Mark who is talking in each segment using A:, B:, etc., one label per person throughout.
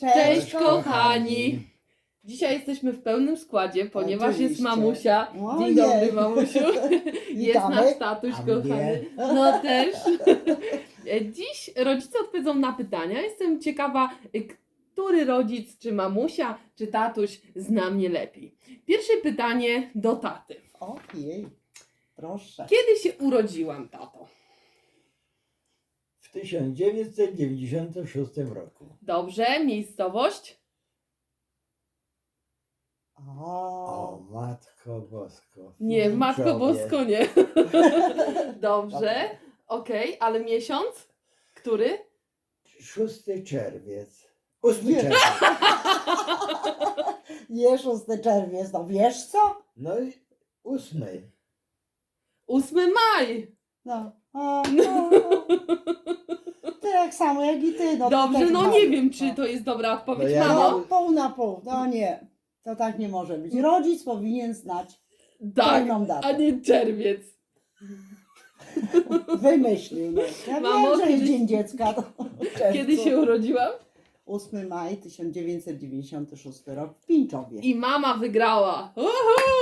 A: Cześć kochani! Dzisiaj jesteśmy w pełnym składzie, ponieważ jest
B: Oczywiście.
A: mamusia. Dzień
B: Ojej.
A: dobry mamusiu. Jest
B: Witamy.
A: nasz tatuś
C: A mnie?
A: kochany. No też. Dziś rodzice odpowiedzą na pytania. Jestem ciekawa, który rodzic, czy mamusia, czy tatuś zna mnie lepiej. Pierwsze pytanie do taty.
B: Ojej, proszę.
A: Kiedy się urodziłam, tato?
C: W 1996 roku.
A: Dobrze, miejscowość?
C: O, Matko Bosko.
A: Nie, Matko
C: Widzowie.
A: Bosko nie. Dobrze, okej, ale miesiąc? Który?
C: 6 czerwiec. 8
B: Nie.
C: czerwiec.
B: Nie, 6 czerwiec, no wiesz co?
C: No i 8.
A: 8 maj.
B: No. Ty tak samo jak i ty. No,
A: Dobrze,
B: ty też
A: no
B: mały.
A: nie wiem, czy to jest dobra odpowiedź,
C: No ja-
A: mamo.
B: No, pół na pół. No nie, to tak nie może być. Rodzic powinien znać
A: Tak,
B: pełną datę.
A: a nie czerwiec.
B: Wymyślił. No. Ja
A: Mamo,
B: wiem, że jest
A: kiedy-
B: Dzień Dziecka. To w czerwcu.
A: Kiedy się urodziłam?
B: 8 maj 1996 rok w Pińczowie.
A: I mama wygrała. Uhu!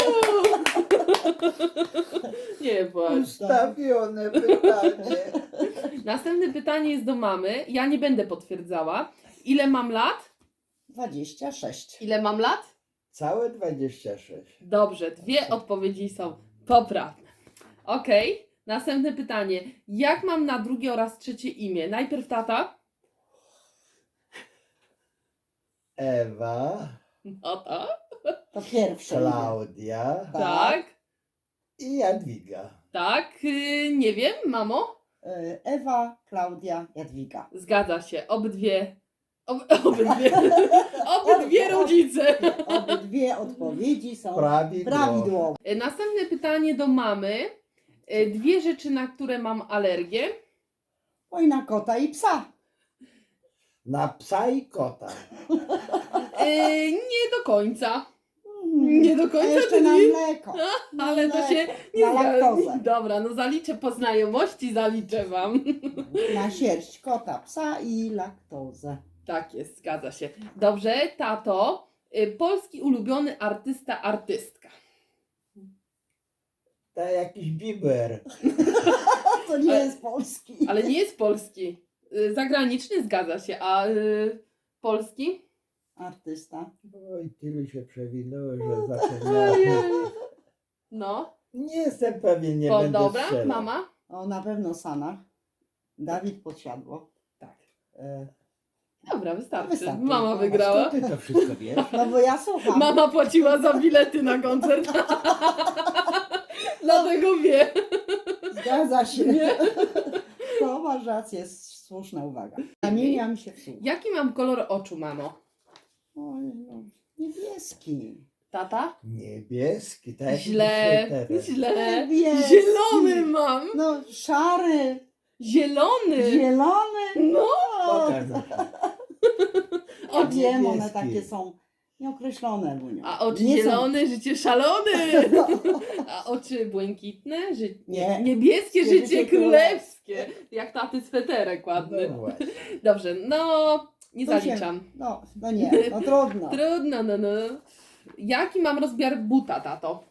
A: Nie płacz.
C: Ustawione pytanie.
A: Następne pytanie jest do mamy. Ja nie będę potwierdzała. Ile mam lat?
B: 26.
A: Ile mam lat?
C: Całe 26.
A: Dobrze, dwie odpowiedzi są poprawne. Okej, następne pytanie. Jak mam na drugie oraz trzecie imię? Najpierw tata.
C: Ewa,
A: No to.
B: To pierwsze. imię.
C: Klaudia
A: Tak,
C: i Jadwiga.
A: tak. Nie wiem, mamo?
B: Ewa, Klaudia, Jadwiga.
A: Zgadza się. Obydwie. Obydwie rodzice.
B: Obydwie odpowiedzi są
C: Prawidłowo.
B: prawidłowe.
A: Następne pytanie do mamy. Dwie rzeczy, na które mam alergię.
B: Oj, na kota i psa.
C: Na psa i kota.
A: Nie do końca. Nie do końca
B: A jeszcze
A: to
B: na
A: nie-
B: mleko. Na
A: Ale to się
B: mleko,
A: nie
B: na
A: zgadza.
B: laktozę.
A: Dobra, no zaliczę po znajomości, zaliczę wam.
B: Na sierść kota, psa i laktozę.
A: Tak jest, zgadza się. Dobrze, tato. Polski ulubiony artysta, artystka.
C: To jakiś biber.
B: To nie
A: Ale-
B: jest polski.
A: Ale nie jest polski. Zagraniczny, zgadza się. A polski?
B: Artysta.
C: Oj, tylu się przewinęło, że
A: Ojej.
C: zapomniałem.
A: No.
C: Nie jestem pewien, nie
A: O,
C: będę
A: dobra,
C: strzelał.
A: mama?
B: O, na pewno Sanach. Dawid Podsiadło.
A: Tak.
B: E,
A: Dobra, wystarczy.
B: Wystarczy.
A: Mama
B: No,
A: wygrała.
C: Skąd ty to wszystko wiesz?
B: No bo ja słucham.
A: Mama płaciła za bilety na koncert. Dlatego wie.
B: Zgadza się.
A: Nie?
B: To masz rację, jest słuszna uwaga. Zamieniam się w słuch.
A: Jaki mam kolor oczu, mamo?
B: Oj, no, niebieski.
A: Tata?
C: Niebieski, tak? jak
A: Źle,
C: dzisiaj teraz.
A: źle.
B: Niebieski.
A: Zielony mam.
B: No, szary,
A: Zielony.
B: zielony.
A: No.
C: Pokaż na to.
B: Ja wiem, one
C: niebieski.
B: takie są nieokreślone. Bunio.
A: A oczy
B: Nie są-
A: zielone, życie szalone. A oczy błękitne,
B: Nie.
A: niebieskie,
B: Życie
A: życie królewskie. Jak taty sweterek ładny.
C: No właśnie.
A: Dobrze, no nie
B: To się-
A: zaliczam.
B: No nie, no trudno.
A: Trudno, no. Jaki mam rozmiar buta, tato?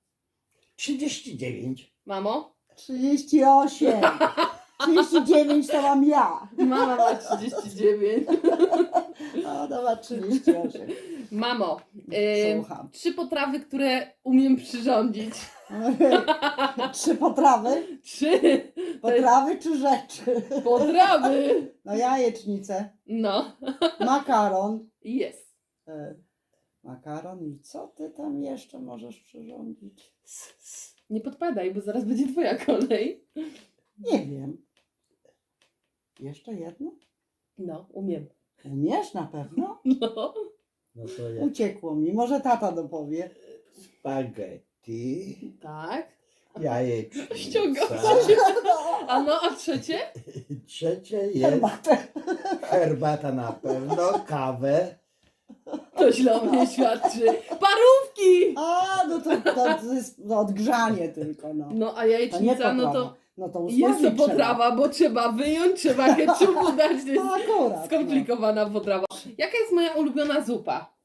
C: 39.
A: Mamo?
B: 38. 39 to mam ja.
A: Mama ma 39.
B: No, to ma 38.
A: Mamo,
B: Słucham.
A: 3 potrawy, które umiem przyrządzić.
B: 3 potrawy?
A: 3
B: Potrawy czy rzeczy?
A: potrawy.
B: No jajecznicę,
A: No,
B: makaron.
A: jest.
B: Makaron i co ty tam jeszcze możesz przyrządzić?
A: Nie podpadaj, bo zaraz będzie twoja kolej.
B: Nie wiem. Jeszcze jedno?
A: No, umiem.
B: Umiesz na pewno?
A: No.
C: No to jak
B: Uciekło mi. Może tata dopowie.
C: spaghetti,
A: Tak.
C: jajecznica.
A: Ściągam się. A no, a trzecie?
C: Trzecie jest
B: Herbatę.
C: herbata na pewno, kawę.
A: To źle o mnie świadczy. Parówki!
B: A, no to jest odgrzanie tylko, no.
A: No, a
B: To nie
A: jajecznica, no to...
B: potrawa. No to
A: Jest to potrawa, bo trzeba wyjąć, trzeba ketchupu dać, to jest
B: No akurat.
A: skomplikowana potrawa. Jaka jest moja ulubiona zupa?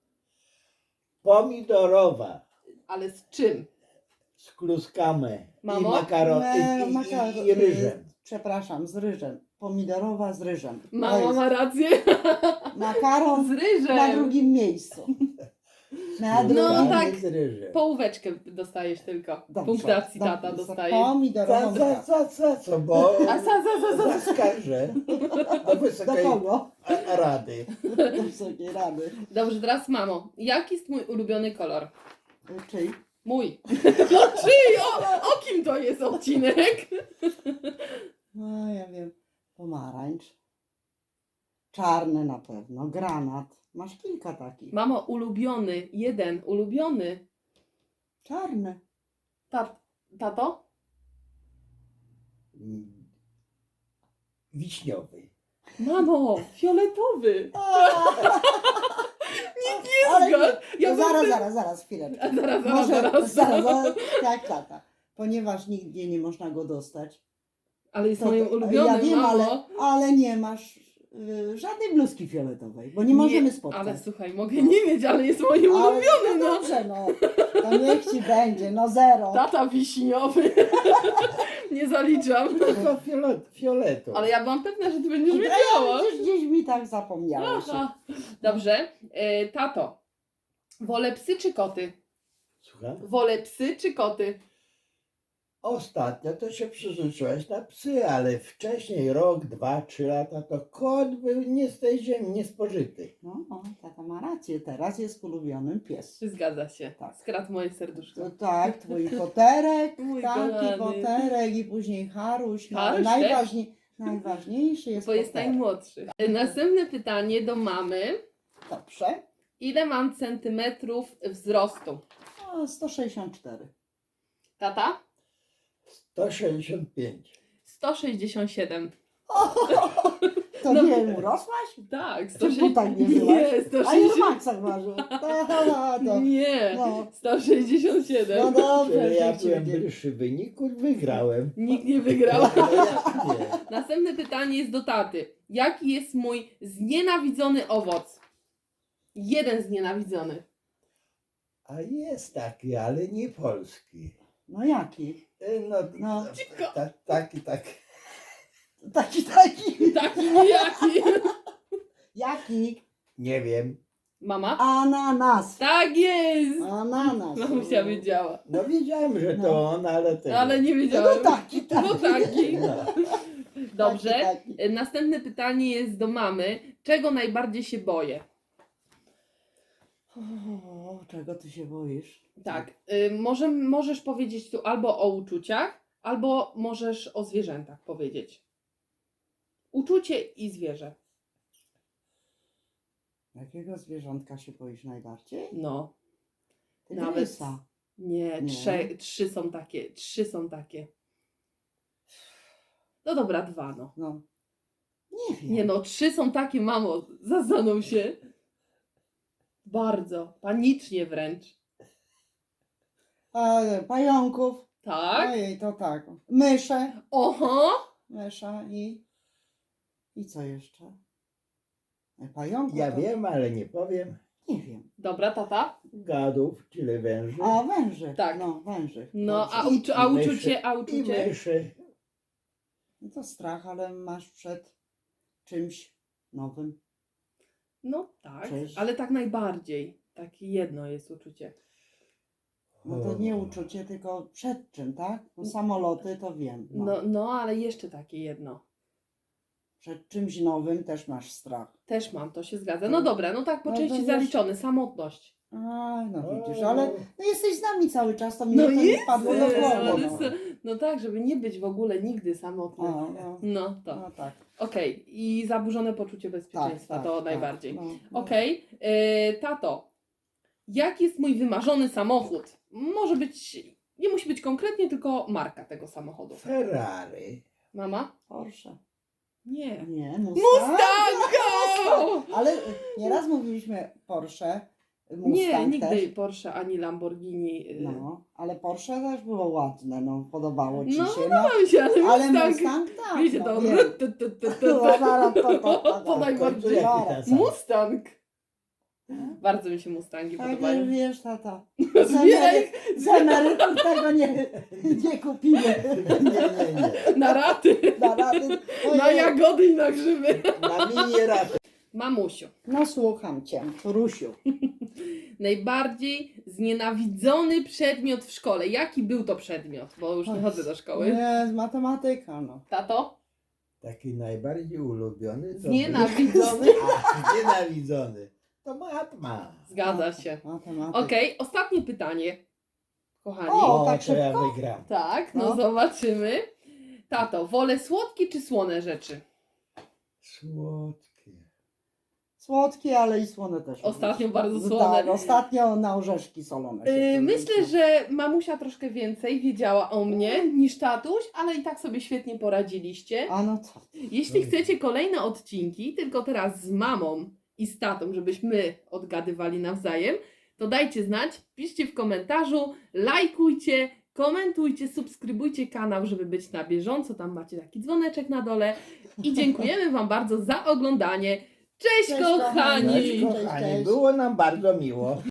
C: Pomidorowa
A: Ale z czym?
C: z kluskami
A: Mamo?
C: i makaron i ryżem.
B: Przepraszam, z ryżem. Pomidorowa z ryżem. To
A: Mama
B: jest
A: ma rację.
B: makaron
A: Z
B: na
A: ryżem.
B: drugim miejscu. Na
A: No
B: drugim.
A: tak.
C: Z ryżem.
A: Połóweczkę dostajesz tylko.
B: Dobrze,
A: Punktacji
B: dobrze.
A: tata dostaje.
B: Pomidorową
C: Co, bo
A: A za.
C: zaskarżę do
B: Do
C: Wysokiej
B: kogo?
C: Rady.
B: Do Wysokiej Rady.
A: Dobrze, teraz mamo. Jaki jest mój ulubiony kolor?
B: Czyj?
A: Mój. No czyj? O kim to jest odcinek?
B: No ja wiem. Pomarańcz. Czarny na pewno. Granat. Masz kilka takich.
A: Mamo, ulubiony. Jeden. Ulubiony.
B: Czarny.
A: Tato?
C: Wiśniowy.
A: Mamo, fioletowy.
B: Ale
A: Zgod.
B: nie,
A: Ja
B: to
A: bym-
B: zaraz, chwileczkę.
A: A zaraz.
B: Zaraz, tak, tata. Ponieważ nigdzie nie można go dostać.
A: Ale jest
B: To-
A: moim
B: ja
A: ulubionym,
B: wiem,
A: mamo.
B: ale nie masz żadnej bluzki fioletowej, bo nie możemy spotkać.
A: Ale słuchaj, mogę nie mieć, ale jest moim
B: Ale
A: ulubionym,
B: no
A: no.
B: dobrze, no. To niech ci będzie, no zero.
A: Tata wiśniowy. Nie zaliczam.
C: Tylko fioletu.
A: Ale ja byłam pewna, że ty będziesz wiedziała.
B: Gdzieś mi tak zapomniałeś.
A: Aha. Dobrze. Tato, wolę psy czy koty?
C: Słucham?
A: Wolę psy czy koty?
C: Ostatnio to się przyzwyczaiłeś na psy, ale wcześniej, rok, 2, 3 lata, to kot był nie z tej ziemi, niespożyty.
B: No, tata ma rację, teraz jest ulubionym pies.
A: Zgadza się.
B: Tak.
A: Skradł moje serduszko.
B: To tak, twój koterek,
A: Mój
B: taki
A: kochany.
B: koterek i później Haruś. No, ale
A: Haruś
B: najważniejszy jest
A: Bo jest
B: koterek.
A: najmłodszy. Następne pytanie do mamy.
B: Dobrze.
A: Ile mam centymetrów wzrostu?
B: O, 164.
A: Tata?
C: 165.
A: 167.
B: To
A: No.
B: nie urosłaś?
A: Tak,
B: Ty w butach nie byłaś?
A: Nie,
B: A ile
A: 160.
B: Maxach ważył? To.
A: Nie,
B: No.
A: 167.
B: No dobrze,
C: Czyli ja
B: niech ci
C: byłem
B: będzie.
C: bliższy wyniku, wygrałem.
A: Nikt nie wygrał.
C: No jak nie?
A: Następne pytanie jest do taty. Jaki jest mój znienawidzony owoc? Jeden znienawidzony.
C: A jest taki, ale nie polski.
B: No jaki?
C: No,
B: No.
A: Cicho.
C: taki.
B: Taki.
A: Taki nijaki.
B: Jaki?
C: Nie wiem.
A: Mama?
B: Ananas.
A: Tak jest!
B: Ananas.
A: Mamusia wiedziała.
C: No wiedziałem, że to
B: No.
C: on, ale tego.
A: Ale nie
B: No
A: wiedziałem.
B: taki.
A: No taki.
C: No.
A: Dobrze.
B: Taki.
A: Następne pytanie jest do mamy. Czego najbardziej się boję?
B: O, czego ty się boisz?
A: Tak. Możesz powiedzieć tu albo o uczuciach, albo możesz o zwierzętach powiedzieć. Uczucie i zwierzę.
B: Jakiego zwierzątka się boisz najbardziej?
A: No.
B: Tygrysa.
A: Nie,
B: Nie.
A: trzy są takie. No dobra, 2 no.
B: No. Nie wiem.
A: Nie no, 3 są takie, mamo, zastanów się. Bardzo, panicznie wręcz.
B: Pająków.
A: Tak?
B: Ojej, to tak. Mysze.
A: Oho!
B: Mysza i co jeszcze? Pająków.
C: Ja
B: to...
C: wiem, ale nie powiem.
B: Nie wiem.
A: Dobra, tata?
C: Gadów, czyli węży.
B: A węży.
A: Tak.
B: No, węży.
A: No, a,
B: Dobrze.
A: a
C: myszy.
A: uczucie, a
C: I
A: uczucie?
C: myszy.
B: No to strach, ale masz przed czymś nowym.
A: No tak,
B: Cześć.
A: ale tak najbardziej. Takie jedno jest uczucie.
B: No to nie uczucie, tylko przed czym, tak? No samoloty to wiem. No.
A: No, ale jeszcze takie jedno.
B: Przed czymś nowym też masz strach.
A: Też mam, to się zgadza. No dobra, no tak po
B: No to
A: części
B: wiesz-
A: zaliczony. Samotność.
B: A, no widzisz, ale no jesteś z nami cały czas, to mnie
A: No
B: to nie
A: jest,
B: wpadło do głowy.
A: ale
B: No.
A: no tak, żeby nie być w ogóle nigdy samotnym.
B: No.
A: No to.
B: No tak.
A: Okej, i zaburzone poczucie bezpieczeństwa
B: Tak,
A: to
B: tak,
A: najbardziej.
B: tak. No.
A: Okej, tato, jaki jest mój wymarzony samochód? Może być, nie musi być konkretnie, tylko marka tego samochodu.
C: Ferrari.
A: Mama?
B: Porsche.
A: Nie.
B: Nie,
A: Mustang!
B: Ale nieraz mówiliśmy Porsche,
A: Nie,
B: Mustang
A: nigdy
B: też.
A: Porsche ani Lamborghini.
B: No, ale Porsche też było ładne, no, podobało ci
A: No,
B: się.
A: podobał się, ale
B: ale
A: Mustang.
B: Mustang tak,
A: Wiecie,
B: no,
A: to...
B: wiem.
A: Podaj
C: W końcu
A: bardziej.
C: jaki ta sam?
A: Mustang. Bardzo mi się Mustangi
B: Tak,
A: podobają.
B: wiesz, tata.
A: Zbieraj
B: Z emerytów tego nie kupimy.
C: Nie.
A: na raty,
B: Na rady.
A: na jagody i na grzyby.
C: Na mini raty.
A: Mamusiu,
B: No słucham cię, Rusiu.
A: najbardziej znienawidzony przedmiot w szkole. Jaki był to przedmiot? Bo już nie
B: Oj,
A: chodzę do szkoły.
B: Nie, matematyka, no.
A: Tato?
C: Taki najbardziej ulubiony to
A: Znienawidzony?
C: A, znienawidzony. To matma.
A: Zgadza się.
B: Matematyka.
A: Okej, ostatnie pytanie. Kochani.
B: O, tak
C: to ja
B: szybko?
C: wygram.
A: Tak, no
B: No.
A: zobaczymy. Tato, wolę słodkie czy słone rzeczy?
C: Słodkie.
B: Słodkie, ale i słone też.
A: Ostatnio
B: lubię.
A: bardzo słone.
B: Tak, ostatnio na orzeszki solone. się
A: Myślę,
B: przerzuciło.
A: że mamusia troszkę więcej wiedziała o mnie niż tatuś, ale i tak sobie świetnie poradziliście.
B: A no co?
A: Jeśli chcecie kolejne odcinki, tylko teraz z mamą i z tatą, żebyśmy odgadywali nawzajem, to dajcie znać, piszcie w komentarzu, lajkujcie, komentujcie, subskrybujcie kanał, żeby być na bieżąco. Tam macie taki dzwoneczek na dole. I dziękujemy Wam bardzo za oglądanie. Cześć,
B: Cześć,
A: kochani!
C: Cześć,
B: Cześć,
C: kochani,
B: cześć.
C: było nam bardzo miło.